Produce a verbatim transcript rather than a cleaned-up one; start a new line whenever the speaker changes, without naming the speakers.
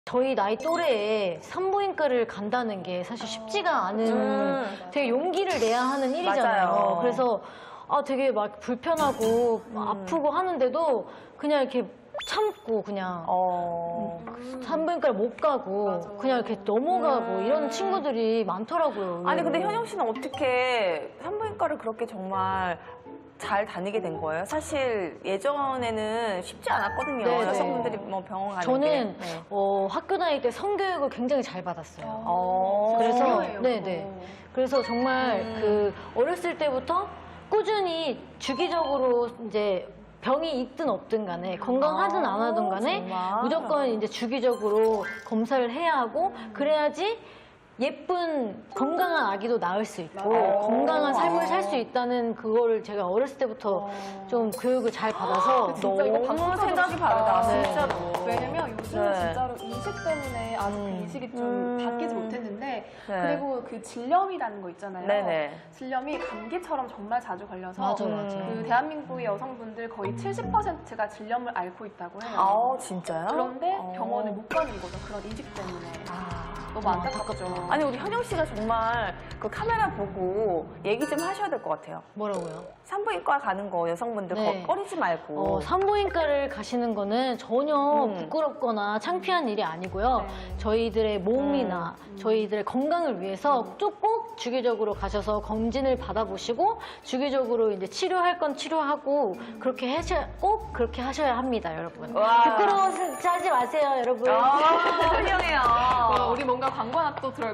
저희 나이 또래에 산부인과를 간다는 게 사실 쉽지가 않은
음.
되게 용기를 내야 하는 일이잖아요.
맞아요.
그래서 아 되게 막 불편하고
음.
아프고 하는데도 그냥 이렇게 참고 그냥
어.
산부인과를 못 가고
맞아.
그냥 이렇게 넘어가고
음.
이런 친구들이 많더라고요.
아니 근데
의외로.
현영 씨는 어떻게 산부인과를 그렇게 정말 잘 다니게 된 거예요? 사실 예전에는 쉽지 않았거든요.
네, 네.
여성분들이 뭐 병원 가는
저는
게. 네.
어, 학교 다닐 때 성교육을 굉장히 잘 받았어요.
어.
그래서
중요해요,
네,
그거.
네. 그래서 정말
음.
그 어렸을 때부터 꾸준히 주기적으로 이제 병이 있든 없든 간에 건강하든 안 하든 간에
정말?
무조건 이제 주기적으로 검사를 해야 하고 그래야지 예쁜 건강한 아기도 낳을 수 있고
맞아요.
건강한 삶을
아.
살 수 있다는 그거를 제가 어렸을 때부터 좀 교육을 잘 받아서
진짜 이거
너무
박수
생각이
쳐주고
다르다,
싶다.
진짜로.
왜냐면 요즘은
네.
진짜로 인식 때문에 아직 그
음.
인식이 좀
음.
바뀌지 못했는데
네.
그리고 그 질염이라는 거 있잖아요.
네네.
질염이 감기처럼 정말 자주 걸려서
맞아,
음.
맞아.
그 대한민국의 여성분들 거의 칠십 퍼센트가 질염을 앓고 있다고 해요.
아 진짜요?
그런데
어.
병원을 못 가는 거죠. 그런 인식 때문에.
아.
너무 안타깝죠.
아니 우리 현영 씨가 정말 그 카메라 보고 얘기 좀 하셔야 될 것 같아요.
뭐라고요?
산부인과 가는 거 여성분들
네.
거 꺼리지 말고.
어, 산부인과를 가시는 거는 전혀
음.
부끄럽거나 창피한 일이 아니고요.
네.
저희들의 몸이나 저희들의 건강을 위해서 쭉 꼭 주기적으로 가셔서 검진을 받아보시고 주기적으로 이제 치료할 건 치료하고 그렇게 하셔, 꼭 그렇게 하셔야 합니다, 여러분.
와.
부끄러워하지 마세요, 여러분.
아, 훌륭해요.
어, 우리 뭔가 광고 하나 또 들어야